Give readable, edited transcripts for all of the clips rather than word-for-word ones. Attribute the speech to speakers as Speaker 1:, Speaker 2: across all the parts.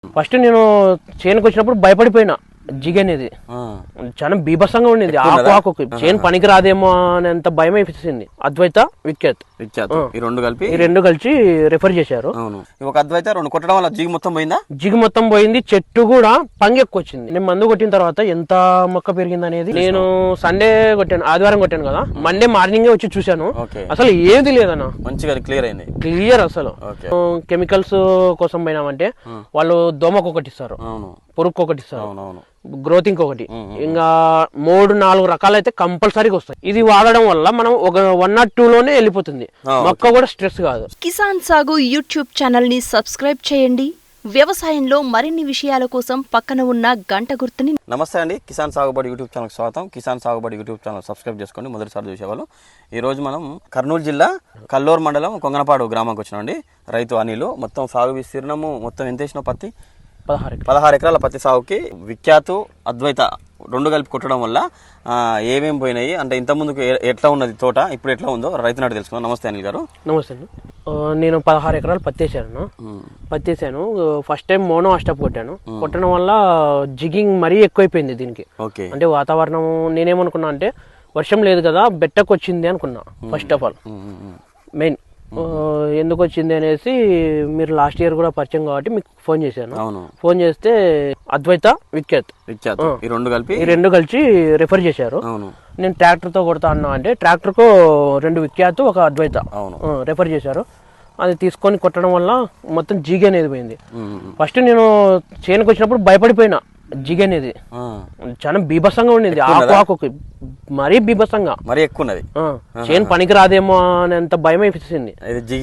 Speaker 1: First నేను చేనుకు వచ్చినప్పుడు భయపడిపోయినా. జిగ్ అనేది చాలా బీభత్సంగా ఉండింది. ఆకు చేను పనికి రాదేమో అనేంత భయం అయిపోయింది. అద్వైత విఖ్యాత్
Speaker 2: ఈ రెండు
Speaker 1: కలిసి రిఫర్ చేశారు.
Speaker 2: ఒక అద్వైత రెండు కొట్టడం వల్ల జిగ్ మొత్తం పోయిందా?
Speaker 1: జిగ్ మొత్తం పోయింది. చెట్టు కూడా పంగెక్కు వచ్చింది. నేను మందు కొట్టిన తర్వాత ఎంత మొక్క పెరిగింది అనేది నేను సండే కొట్టాను, ఆదివారం కొట్టాను కదా, మండే మార్నింగ్ వచ్చి చూశాను. అసలు ఏది లేదన్న,
Speaker 2: మంచిగా క్లియర్ అయింది.
Speaker 1: క్లియర్ అసలు. కెమికల్స్ కోసం పోయినామంటే వాళ్ళు దోమకు ఒకటి ఇస్తారు, పురుగుకు ఒకటి ఇస్తారు, గ్రోతింగ్ ఒకటి, ఇంకా 3-4 రకాలైతే కంపల్సరీగా వస్తాయి. ఇది వాడడం వల్ల మనం ఒక 1 or 2 లోనే వెళ్ళిపోతుంది. మొక్క కూడా స్ట్రెస్ కాదు.
Speaker 3: కిసాన్ సాగు యూట్యూబ్ ఛానల్ ని సబ్స్క్రైబ్ చేయండి. వ్యవసాయంలో మరిన్ని విషయాల కోసం పక్కన ఉన్న గంట గుర్తుని.
Speaker 2: నమస్తే అండి, కిసాన్ సాగుబడి యూట్యూబ్ ఛానల్ స్వాగతం. కిసాన్ సాగుబడి యూట్యూబ్ ఛానల్ సబ్స్క్రైబ్ చేసుకోండి, మొదటిసారి చూసేవాళ్ళు. ఈ రోజు మనం కర్నూలు జిల్లా కల్లూరు మండలం కొంగనపాడు గ్రామానికి వచ్చినామండి. రైతు అనిలు. మొత్తం సాగు విస్తీర్ణము మొత్తం ఎంత వేసిన పత్తి? 16 ఎకరాల పత్తి సాగుకి విఖ్యాత్ అద్వైత రెండు కలిపి కొట్టడం వల్ల ఏమేమి పోయినాయి అంటే ఇంతకుముందుకు ఎట్లా ఉన్నది తోట, ఇప్పుడు ఎట్లా ఉందో రైతు నాటి తెలుసుకుందాం. నమస్తే అనిల్ గారు.
Speaker 1: నమస్తే అండి. నేను 16 ఎకరాలు పత్తి వేసాను. ఫస్ట్ టైం మోనో అస్టాప్ కొట్టడం వల్ల జిగింగ్ మరీ ఎక్కువైపోయింది దీనికి. అంటే వాతావరణం నేనేమనుకున్నా అంటే వర్షం లేదు కదా, బెట్టకు వచ్చింది అనుకున్నా. ఫస్ట్ ఆఫ్ ఆల్ మెయిన్ ఎందుకు వచ్చింది అనేసి మీరు లాస్ట్ ఇయర్ కూడా పరిచయం కాబట్టి మీకు ఫోన్ చేశాను. ఫోన్ చేస్తే అద్వైత విఖ్యాత్ ఈ రెండు కలిసి రిఫర్ చేశారు. నేను ట్రాక్టర్ తో కొడతా అన్నా అంటే ట్రాక్టర్ కు 2 విఖ్యాత్ ఒక అద్వైత రిఫర్ చేశారు. అది తీసుకొని కొట్టడం వల్ల మొత్తం జిగ్ అనేది పోయింది. ఫస్ట్ నేను చేనుకు వచ్చినప్పుడు భయపడిపోయినా. జిగ్ అనేది చాలా బీభత్సంగా ఉండింది. ఆకు మరీ బీభత్సంగా,
Speaker 2: మరీ ఎక్కువ ఉన్నది.
Speaker 1: చేను పనికి రాదేమో అనేంత భయం అయిపోయింది.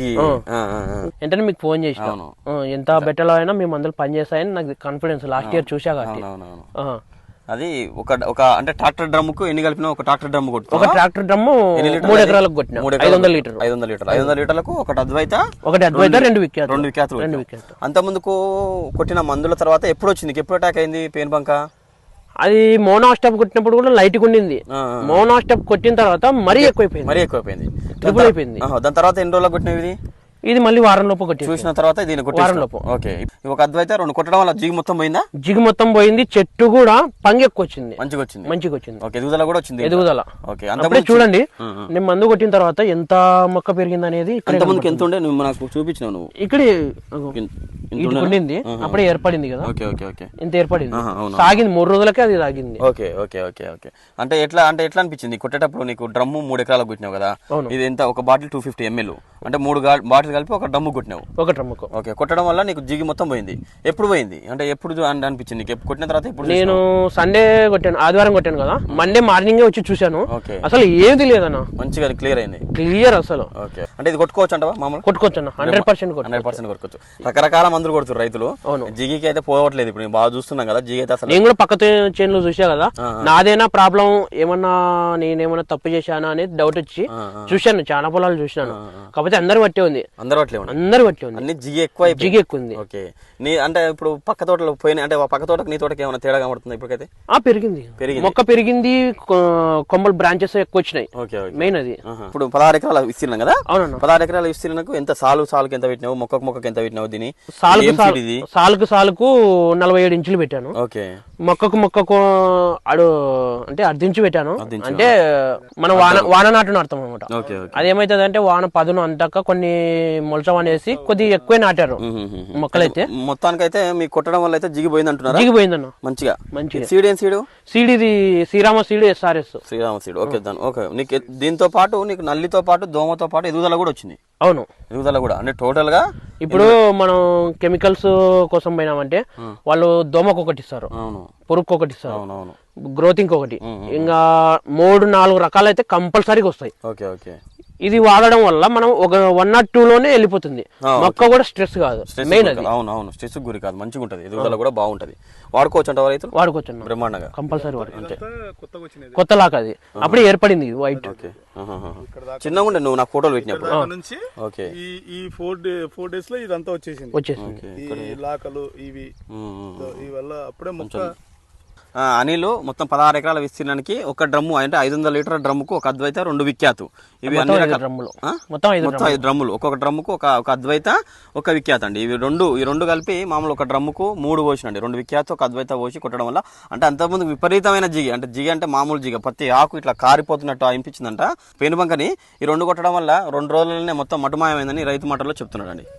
Speaker 1: వెంటనే మీకు ఫోన్ చేసినాను. ఎంత బెటర్ అయినా మేము అందరూ పని చేస్తాయని నాకు కాన్ఫిడెన్స్ లాస్ట్ ఇయర్ చూసా కాబట్టి.
Speaker 2: అది ఒక అంటే ట్రాక్టర్ డ్రమ్ కు ఎన్ని కలిపినా? ఒక ట్రాక్టర్ డ్రమ్
Speaker 1: ఒక ట్రాక్టర్ డ్రమ్ 3 ఎకరాలకు కొట్టినా 500
Speaker 2: లీటర్లకు ఒకటి అద్వైత
Speaker 1: 2 విఖ్యాతులు.
Speaker 2: అంత ముందుకు కొట్టిన మందుల తర్వాత ఎప్పుడు వచ్చింది? ఎప్పుడు అటాక్ అయింది పెయిన్ బంక?
Speaker 1: అది మోనో స్టాప్ కొట్టినప్పుడు కూడా లైట్ గా ఉండింది. మోనో స్టాప్ కొట్టిన తర్వాత మరీ ఎక్కువైపోయింది. ట్రిపుల్ అయిపోయింది.
Speaker 2: దాని తర్వాత ఎన్ని రోజులకు కొట్టినవి?
Speaker 1: ఇది మళ్ళీ వారం లోపు
Speaker 2: చూసిన తర్వాత వారం లోపు. ఒక అద్వైత రెండు కొట్టడం వల్ల జిగ్ మొత్తం పోయిందా?
Speaker 1: జిగ్ మొత్తం పోయింది. చెట్టు కూడా పంగెక్కు వచ్చింది.
Speaker 2: మంచిగా వచ్చింది. ఎదుగుదల కూడా వచ్చింది.
Speaker 1: అప్పుడే చూడండి, నేను మందు కొట్టిన తర్వాత ఎంత మొక్క పెరిగింది అనేది.
Speaker 2: ముందుకు ఎంత ఉండే నువ్వు నాకు చూపించినావు. నువ్వు
Speaker 1: ఇక్కడ ఉండింది, అప్పుడే ఏర్పడింది కదా. ఇంత ఏర్పడింది. సాగింది 3 రోజులకే అది సాగింది.
Speaker 2: అంటే ఎట్లా అనిపించింది కొట్టేటప్పుడు? నీకు డ్రమ్ము 3 ఎకరాలకు కొట్టినావు కదా, ఇది ఎంత? ఒక బాటిల్ 250 ml అంటే 3 బాటిల్ కలిపి ఒక డ్రమ్ము కొట్టినావు.
Speaker 1: ఒక డ్రమ్ముకు
Speaker 2: కొట్టడం వల్ల నీకు జిగి మొత్తం పోయింది. ఎప్పుడు పోయింది అంటే ఎప్పుడు అనిపించింది? కొట్టిన తర్వాత ఇప్పుడు
Speaker 1: నేను సండే కొట్టాను, ఆదివారం కొట్టాను కదా, మండే మార్నింగ్ వచ్చి చూశాను. అసలు ఏది లేదన్న,
Speaker 2: మంచిగా క్లియర్ అయింది.
Speaker 1: క్లియర్ అసలు.
Speaker 2: అంటే ఇది కొట్టుకోవచ్చు అంటవా? మామూలు
Speaker 1: కొట్టుకోవచ్చు అన్న, 100%
Speaker 2: కొట్టుకోవచ్చు. రకరకాల మందులు కొడుతారు రైతులు. జిగికి అయితే పోవట్లేదు. ఇప్పుడు బాగా చూస్తున్నాం కదా జిగి అయితే. అసలు
Speaker 1: నేను కూడా పక్క చేనులో చూసా కదా, నాదేనా ప్రాబ్లం, ఏమన్నా నేనేమన్నా తప్పు చేశానా అనేది డౌట్ వచ్చి చూశాను. చాలా పొలాలు చూసినాను, కాకపోతే అందరు బట్టే ఉంది.
Speaker 2: అందరు బట్టే ఉంది. అన్ని జిగి ఎక్కువ ఉంది. నీ అంటే ఇప్పుడు పక్క తోటలో పోయినా అంటే పక్క తోటకు నీ తోటకి ఏమైనా తేడా కనబడుతుంది? ఇప్పటికైతే
Speaker 1: పెరిగింది, మొక్క పెరిగింది, కొమ్మలు బ్రాంచెస్ ఎక్కువ వచ్చినాయి. మెయిన్ అది.
Speaker 2: ఇప్పుడు 16 ఎకరాల విస్తీర్ణం కదా. అవును, 16 ఎకరాల విస్తీర్ణకు ఎంత సాలుకి ఎంత పెట్టినావు? మొక్కకు ఎంత పెట్టినావు? దీని సాలుకు 47 ఇంచులు పెట్టాను. మొక్కకు అంటే 10 ఇంచు పెట్టాను. అంటే మనం వాన నాటు నాటుతాం అనమాట. అదేమైతుంది అంటే వాన పదును అంతాక కొన్ని మొలచం అనేసి కొద్దిగా ఎక్కువ నాటారు మొక్కలైతే. మొత్తానికైతే మీకు కొట్టడం వల్ల అయితే జిగిపోయింది అంటున్నారు.
Speaker 1: జిగిపోయిందన్న మంచిగా.
Speaker 2: సీడ్ ఏం
Speaker 1: సీడ్ ఇది Srirama seed, SRS
Speaker 2: seed. Okay. నీకు దీంతో పాటు నీకు నల్లితో పాటు దోమతో పాటు ఎదుగుదల కూడా వచ్చింది.
Speaker 1: అవును,
Speaker 2: ఎదుగుదల కూడా. అంటే టోటల్ గా
Speaker 1: ఇప్పుడు మనం కెమికల్స్ కోసం పోయినామంటే వాళ్ళు దోమకు ఒకటి ఇస్తారు, పురుగుకు ఒకటి ఇస్తారు, గ్రోతింగ్ ఒకటి, ఇంకా 3-4 రకాలైతే కంపల్సరీగా వస్తాయి. ఇది వాడడం వల్ల మనం ఒక 1 or 2 లోనే వెళ్ళిపోతుంది. మొక్క కూడా స్ట్రెస్ కాదు. మెయిన్ అది.
Speaker 2: అవును, స్ట్రెస్ గురి కాదు, మంచిగా ఉంటది. ఎదుగుదల కూడా బాగుంటది. వాడుకోవచ్చు అంట రైతులు?
Speaker 1: వాడుకోవచ్చు
Speaker 2: బ్రహ్మాండంగా,
Speaker 1: కంపల్సరీ వాడుకోవచ్చు. కొత్త లాక్ అది అప్పుడే ఏర్పడింది వైట్.
Speaker 2: చిన్నగా ఉండే నువ్వు నాకు ఫోటోలు పెట్టినప్పుడు.
Speaker 4: ఈ 4 days లో ఇదంతా వచ్చేసింది. ఈ లాకలు ఇవి వల్ల అప్పుడే మొక్క
Speaker 2: అనిల్ మొత్తం 16 ఎకరాల విస్తీర్ణానికి ఒక డ్రమ్ము అంటే 500 లీటర్ల డ్రమ్ముకు ఒక అద్వైత 2 విఖ్యాతు. ఇవి అన్ని రకాల మొత్తం 5 డ్రమ్ములు, ఒక్కొక్క డ్రమ్ముకు ఒక అద్వైత ఒక విఖ్యాత అండి. ఈ రెండు కలిపి మామూలు ఒక డ్రమ్ముకు 3 పోసినండి, 2 విఖ్యాత ఒక అద్వైత పోసి కొట్టడం వల్ల అంటే అంతకుముందు విపరీతమైన జిగి అంటే మామూలు జిగ ప్రతి ఆకు ఇట్లా కారిపోతున్నట్టు అనిపించిందంట పేనుబంకని. ఈ 2 కొట్టడం వల్ల 2 రోజులనే మొత్తం మటుమాయమైందని రైతు మాటల్లో చెప్తున్నాడు అండి.